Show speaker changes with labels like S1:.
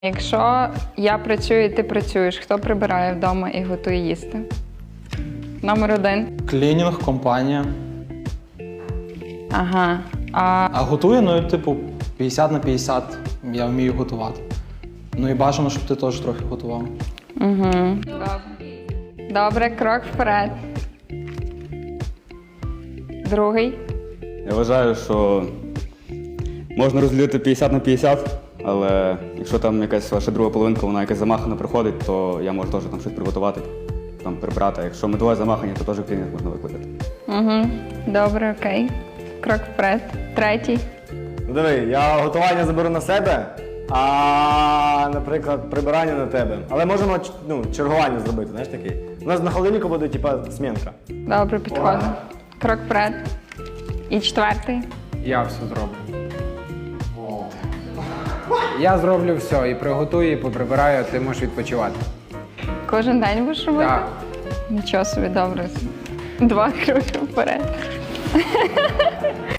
S1: Якщо я працюю і ти працюєш, хто прибирає вдома і готує їсти? Номер 1.
S2: Клінінг, компанія.
S1: Ага.
S2: А готую, ну, типу, 50 на 50 я вмію готувати. Ну і бажано, щоб ти теж трохи готував.
S1: Угу. Добре. Добре, крок вперед. Другий.
S3: Я вважаю, що можна розділити 50 на 50, але якщо там якась ваша друга половинка, вона якась замахана приходить, то я можу теж там щось приготувати, там прибрати. Якщо ми двоє замахані, то теж клінінг можна викликати.
S1: Угу. Добре, окей. Крок вперед. Третій.
S4: Ну диви, я готування заберу на себе, а, наприклад, прибирання на тебе. Але можемо чергування зробити, знаєш такий. У нас на холодильнику буде, типа, змінка.
S1: Добре, підходить. Крок вперед. І четвертий.
S5: Я все зроблю. Я зроблю все, і приготую, і поприбираю, а ти можеш відпочивати.
S1: Кожен день будеш робити?
S5: Так.
S1: Нічого собі, добре. 2 кроки вперед.